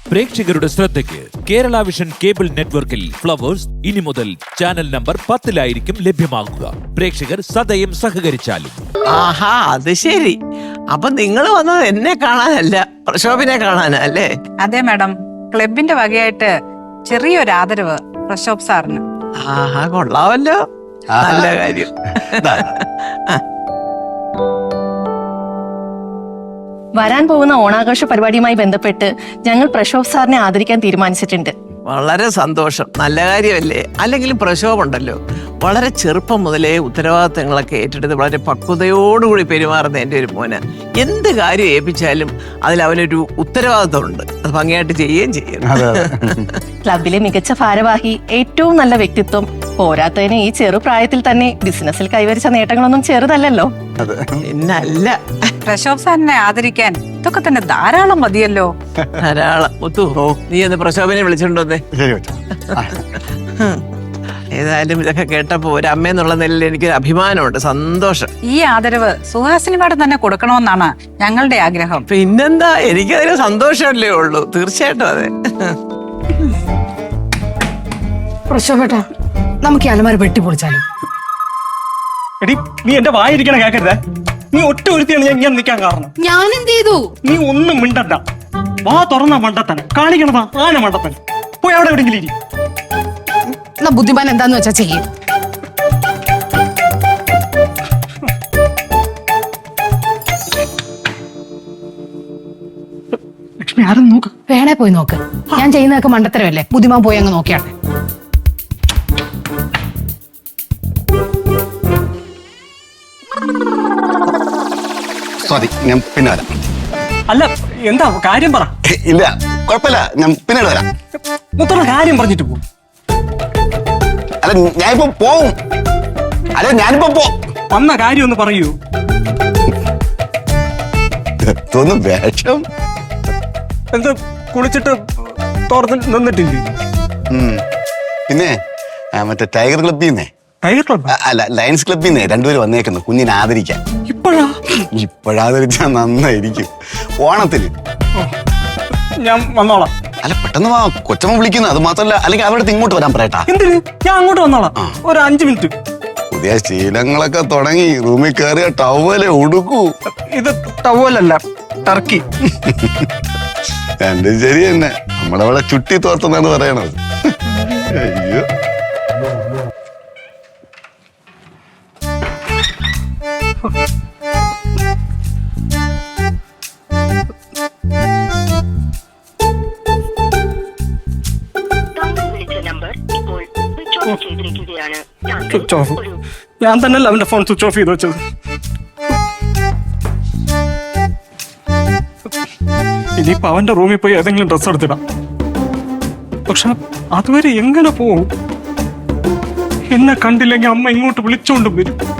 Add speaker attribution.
Speaker 1: പ്രേക്ഷകരുടെ ശ്രദ്ധയ്ക്ക് Kerala Vision cable നെറ്റ്വർക്കിൽ ഫ്ലവേഴ്സ് ഇനി മുതൽ ചാനൽ നമ്പർ 10-ലായിരിക്കും ലഭ്യമാകുക. പ്രേക്ഷകർ സദയം സഹകരിച്ചാലും.
Speaker 2: ആഹാ, അത് ശരി. അപ്പൊ നിങ്ങൾ വന്നത് എന്നെ കാണാനല്ല, പ്രശോഭിനെ കാണാനാ അല്ലേ?
Speaker 3: അതെ മാഡം, ക്ലബിന്റെ വകയായിട്ട് ചെറിയൊരു ആദരവ് പ്രശോഭ് സാറിന്.
Speaker 2: ആഹാ, കൊള്ളാവല്ലോ. നല്ല കാര്യം.
Speaker 4: വരാൻ പോകുന്ന ഓണാഘോഷ പരിപാടിയുമായി ബന്ധപ്പെട്ട് ഞങ്ങൾ പ്രശോഭ് സാറിനെ ആദരിക്കാൻ തീരുമാനിച്ചിട്ടുണ്ട്.
Speaker 2: വളരെ സന്തോഷം, നല്ല കാര്യമല്ലേ? അല്ലെങ്കിലും പ്രശോഭുണ്ടല്ലോ, വളരെ ചെറുപ്പം മുതലേ ഉത്തരവാദിത്തങ്ങളൊക്കെ ഏറ്റെടുത്ത് വളരെ പക്വതയോടുകൂടി പെരുമാറുന്ന എൻ്റെ ഒരു മോന്. എന്ത് കാര്യം ഏൽപ്പിച്ചാലും അതിൽ അവനൊരു ഉത്തരവാദിത്തമുണ്ട്, അത് ഭംഗിയായിട്ട് ചെയ്യുകയും ചെയ്യും.
Speaker 4: ക്ലബിലെ മികച്ച ഭാരവാഹി, ഏറ്റവും നല്ല വ്യക്തിത്വം, പോരാത്തതിന് ഈ ചെറുപ്രായത്തിൽ തന്നെ ബിസിനസ്സിൽ കൈവരിച്ച നേട്ടങ്ങളൊന്നും ചെറുതല്ലല്ലോ.
Speaker 2: പിന്നല്ല.
Speaker 3: പ്രശോഭ് സാറിനെ ആദരിക്കാൻ ഇതൊക്കെ തന്നെ ധാരാളം മതിയല്ലോ.
Speaker 2: ധാരാളം. ഒത്തു, നീ ഒന്ന് പ്രശോഭനെ വിളിച്ചിട്ടുണ്ടോന്നേ. ഏതായാലും ഇതൊക്കെ കേട്ടപ്പോ ഒരു അമ്മയെന്നുള്ള നിലയിൽ എനിക്കൊരു അഭിമാനമുണ്ട്, സന്തോഷം.
Speaker 3: ഈ ആദരവ് സുഹാസിനി മാഡം തന്നെ കൊടുക്കണമെന്നാണ് ഞങ്ങളുടെ ആഗ്രഹം.
Speaker 2: പിന്നെന്താ, എനിക്കതിന് സന്തോഷമല്ലേ ഉള്ളൂ. തീർച്ചയായിട്ടും അതെ.
Speaker 5: പ്രശോഭേട്ടാ, നമുക്ക് ഈ അലമാര വെട്ടിപ്പൊളിച്ചാലോ?
Speaker 6: എടി, നീ എന്റെ വായിരിക്കണ കേക്കരുതേ. നീ ഒറ്റ ഒരുത്തിയാണ് ഞാൻ നിൽക്കാൻ കാരണം.
Speaker 5: ഞാൻ എന്ത് ചെയ്തു?
Speaker 6: നീ ഒന്നും മിണ്ടണ്ട. വാ തുറന്ന മണ്ടത്തന്നെ കാണിക്കണതാ, ആന മണ്ടത്തന്നെ. പോയി അവിടെ എവിടെയെങ്കിലും ഇരി.
Speaker 5: എന്നാ ബുദ്ധിമാൻ എന്താന്ന് വെച്ചാ ചെയ്യും.
Speaker 6: ലക്ഷ്മി, ആരും നോക്ക്.
Speaker 5: വേണേ പോയി നോക്ക്. ഞാൻ ചെയ്യുന്നതൊക്കെ മണ്ടത്തരമല്ലേ? ബുദ്ധിമാൻ പോയി അങ്ങ് നോക്കിയാട്ടെ.
Speaker 7: സോറി, ഞാൻ പിന്നെ വരാം.
Speaker 6: അല്ല, എന്താ കാര്യം പറ.
Speaker 7: ഇല്ല, കുഴപ്പമില്ല, ഞാൻ പിന്നീട് വരാം.
Speaker 6: മൊത്തം കാര്യം പറഞ്ഞിട്ട് പോ.
Speaker 7: അല്ല, ഞാനിപ്പോ പോവും. അല്ല, ഞാനിപ്പോ
Speaker 6: വന്ന കാര്യം ഒന്ന് പറയൂ.
Speaker 7: തോന്നും വേഷം.
Speaker 6: എന്താ കുളിച്ചിട്ട് തോർന്ന് നിന്നിട്ടില്ലേ?
Speaker 7: പിന്നെ മറ്റേ ടൈഗർ ക്ലബ്ബിൽ നിന്നേ,
Speaker 6: ടൈഗർ ക്ലബ്
Speaker 7: അല്ല ലയൺസ് ക്ലബ്ബിൽ നിന്നേ രണ്ടുപേരും വന്നേക്കുന്നു കുഞ്ഞിനെ ആദരിക്കാൻ. ഇപ്പോഴാദരിച്ചാ നന്നായിരിക്കും. ഓണത്തിന്
Speaker 6: ഞാൻ വന്നോളാം.
Speaker 7: അല്ല, പെട്ടെന്ന് വാ, കൊച്ചമ്മ വിളിക്കുന്നു. അത് മാത്രല്ല, അല്ലെങ്കിൽ അവിടെ ഇങ്ങോട്ട് വരാൻ പറയട്ടാ.
Speaker 6: എന്തിന്? ഞാൻ അങ്ങോട്ട് വന്നോളാം. ഒരു 5 മിനിറ്റ്.
Speaker 7: പുതിയ ശീലങ്ങളൊക്കെ തുടങ്ങി. റൂമിൽ കയറിയ ടവലെ ഉടുക്കൂ.
Speaker 6: ഇത് ടവലല്ല, ടർക്കി.
Speaker 7: എന്റെ ശരി തന്നെ, നമ്മളവിടെ ചുട്ടി തോർത്തെന്നാണ് പറയണത്. അയ്യോ,
Speaker 6: സ്വിച്ച് ഓഫ്. ഞാൻ തന്നെയല്ല അവന്റെ ഫോൺ സ്വിച്ച് ഓഫ് ചെയ്ത് വെച്ചത്. ഇനിയിപ്പോ അവന്റെ റൂമിൽ പോയി ഏതെങ്കിലും ഡ്രസ് എടുത്തിടാം. പക്ഷെ അതുവരെ എങ്ങനെ പോവും? എന്നെ കണ്ടില്ലെങ്കിൽ അമ്മ ഇങ്ങോട്ട് വിളിച്ചോണ്ടും വരും.